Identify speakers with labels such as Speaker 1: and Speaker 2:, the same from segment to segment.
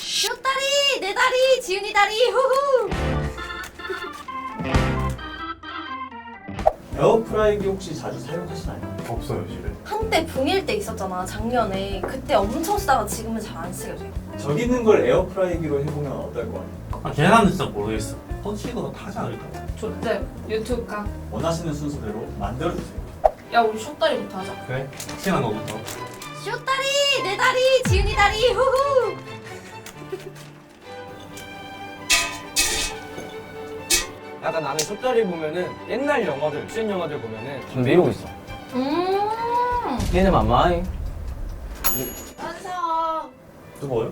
Speaker 1: 쇼다리! 내 다리! 지훈이 다리! 후후!
Speaker 2: 에어프라이기 혹시 자주 사용하시나요?
Speaker 3: 없어요 집에.
Speaker 1: 한때 붕일 때 있었잖아, 작년에. 그때 엄청 쓰다가 지금은 잘 안 쓰게 돼.
Speaker 2: 저기 있는 걸 에어프라이기로 해보면 어떨 것 같아요?
Speaker 3: 아 계란은 진짜 모르겠어. 터치가 타지 않을까?
Speaker 4: 좋대. 유튜브 각.
Speaker 2: 원하시는 순서대로 만들어주세요.
Speaker 4: 야 우리 숏다리부터 하자.
Speaker 3: 그래? 친한 거부터.
Speaker 1: 쇼다리! 내 다리! 지훈이 다리! 후후!
Speaker 5: 약간 나는 숏다리 보면은 옛날 영화들, 액션 영화들 보면은 담배 이러고 있어. 얘는 맘마이.
Speaker 4: 완성.
Speaker 3: 뜨거워요?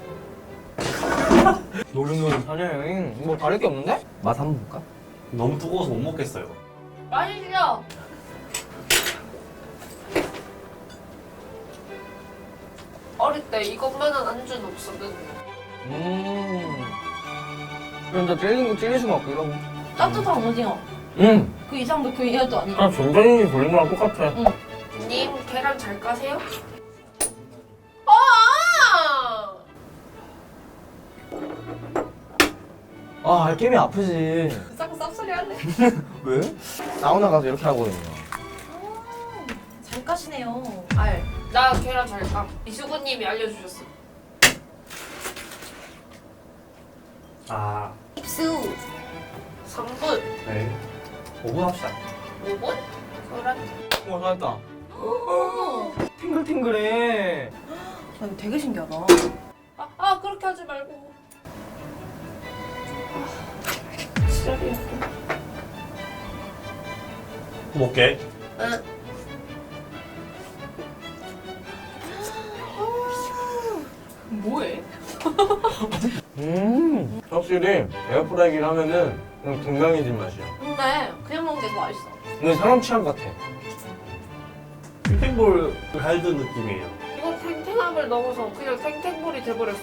Speaker 5: 노릇노릇 사냥이 뭐 다를 게 없는데? 맛 한번 볼까?
Speaker 3: 너무 뜨거워서 못 먹겠어요.
Speaker 4: 맛있어. 어릴 때 이것만한 안주는 없었는데.
Speaker 5: 그럼 나 찔린 거 찔릴 수가 없고 이러고.
Speaker 1: 따뜻한 오징어. 그 이상도 그 이하도 아니고.
Speaker 5: 아 전자레인지 돌린 거랑 똑같아.
Speaker 4: 님 계란 잘 까세요? 아!
Speaker 5: 아 알게임이 아프지.
Speaker 4: 자꾸 쌉소리 할래?
Speaker 5: 왜? 사우나 가서 이렇게 하거든요.
Speaker 1: 잘 까시네요.
Speaker 4: 알. 나 계란 잘 까. 이수근님이 알려주셨어.
Speaker 3: 아,
Speaker 1: 입수.
Speaker 4: 3분.
Speaker 3: 네. 5분 합시다.
Speaker 4: 5분? 그래.
Speaker 5: 와 잘했다.
Speaker 1: 오.
Speaker 5: 팅글팅글해.
Speaker 1: 아, 이거 되게 신기하다.
Speaker 4: 아 그렇게 하지 말고. 지랄이야.
Speaker 3: 먹게.
Speaker 4: 응. 뭐해?
Speaker 5: 확실히 에어프라이기를 하면은 그냥 건강해진 맛이야.
Speaker 1: 근데 그냥 먹는 게 더 맛있어.
Speaker 5: 근데 사람 취향 같아.
Speaker 3: 탱탱볼 할든 느낌이에요.
Speaker 4: 이거 탱탱함을 넘어서 그냥 탱탱볼이 돼버렸어.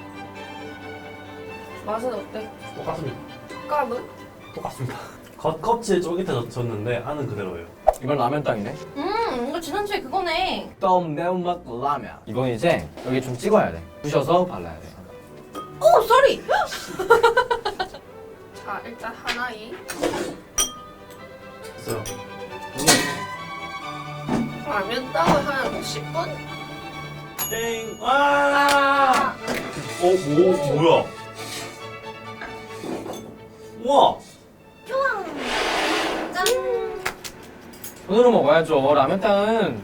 Speaker 4: 맛은 어때?
Speaker 3: 똑같습니다.
Speaker 4: 식감은?
Speaker 3: 똑같습니다. 겉껍질 쫄깃해졌는데 안은 그대로예요.
Speaker 5: 이건 라면 땅이네.
Speaker 1: 이거 지난주에 그거네.
Speaker 5: 떡 매운맛 라면. 이건 이제 여기 좀 찍어야 돼. 부셔서 발라야 돼.
Speaker 1: 오, 쏘리!
Speaker 4: 자 일단 하나이.
Speaker 3: 됐어요.
Speaker 4: 라면 떡을 한 10분?
Speaker 3: 땡! 와! 뭐야? 우와!
Speaker 1: 짠!
Speaker 5: 손으로 먹어야죠. 라면 땅은.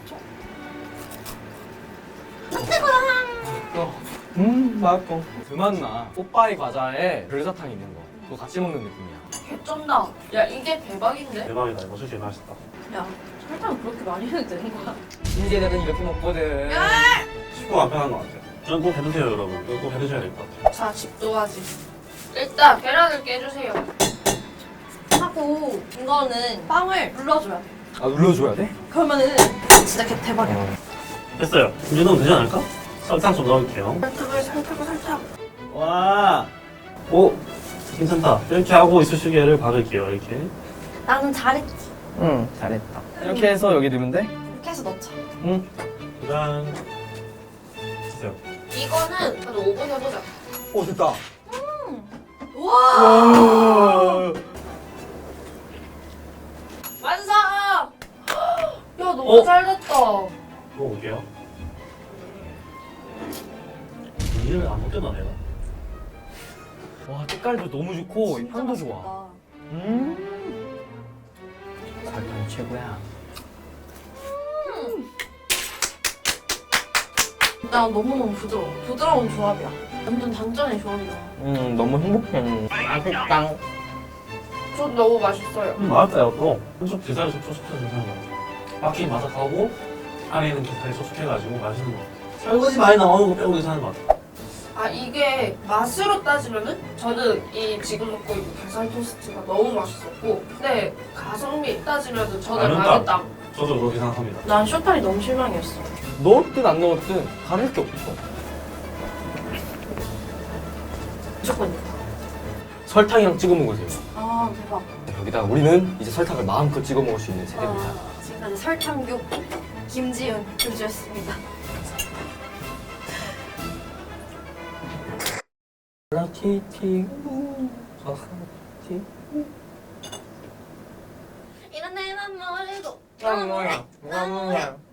Speaker 5: 맛있고. 그 맛나. 뽀빠이 과자에 별사탕 있는 거. 그거 같이 먹는 느낌이야.
Speaker 4: 개쩐다. 야 이게 대박인데?
Speaker 3: 대박이다. 이거 솔직히 맛있다.
Speaker 1: 야, 설탕 그렇게 많이 해도 되는 거야?
Speaker 5: 이제들은 이렇게 먹거든.
Speaker 3: 쉽고 간편한 것 같아요. 저는 꼭 해드세요, 여러분. 이거 꼭 해드셔야 될 것 같아요.
Speaker 4: 자 집도하지. 일단 계란을 깨주세요.
Speaker 1: 하고 이거는 빵을 눌러줘야 돼.
Speaker 5: 아 눌러줘야 돼?
Speaker 1: 그러면은 진짜 대박이야.
Speaker 3: 됐어요. 이제 넣으면 되지 않을까? 설탕 좀 넣을게요.
Speaker 4: 설탕.
Speaker 3: 와! 오! 괜찮다. 이렇게 하고 이쑤시개를 박을게요, 이렇게.
Speaker 1: 나는 잘했지.
Speaker 5: 응 잘했다. 이렇게 해서 여기 넣으면 돼?
Speaker 1: 이렇게 해서 넣자.
Speaker 5: 응.
Speaker 3: 짠. 주세요.
Speaker 4: 이거는 한 5분 해보자.
Speaker 5: 오 됐다.
Speaker 1: 우와!
Speaker 5: 와.
Speaker 4: 완성! 야 너무 잘 됐다.
Speaker 3: 먹어볼게요. 이를 안 먹겠나, 내가?
Speaker 5: 와 색깔도 너무 좋고 향도 좋아. 설탕이 최고야.
Speaker 1: 나 너무너무 부드러워. 부드러운 조합이야. 완전 단짠의 조합이야.
Speaker 5: 너무 행복해. 맛있다.
Speaker 4: 전 너무 맛있어요.
Speaker 3: 맛있어요, 또. 한쪽 게살이 촉촉해서 괜찮은 것 같아요. 바퀴 바삭하고, 안에는 게살이 촉촉해가지고 맛있는 것 같아요. 설거지 많이 나오는 거 빼고 괜찮은 것 같아요.
Speaker 4: 아 이게 맛으로 따지면은 저는 이 지금 먹고 있는 게살 토스트가 너무 맛있었고, 근데 가성비 따지면은 저는
Speaker 3: 라면땅.
Speaker 4: 라면땅.
Speaker 3: 저도 그렇게 생각합니다.
Speaker 1: 난 쇼탈이 너무 실망이었어.
Speaker 5: 넣었든 안 넣었든 다를 게 없어.
Speaker 1: 무조건 이거.
Speaker 5: 설탕이랑 찍어 먹으세요.
Speaker 1: 아, 대박.
Speaker 5: 여기다가 우리는 이제 설탕을 마음껏 찍어 먹을 수 있는 세대입니다.
Speaker 1: 지금까지 설탕교 김지은 교주였습니다.
Speaker 3: 라티티
Speaker 1: 이런 내맘 모르고
Speaker 5: 뭐야?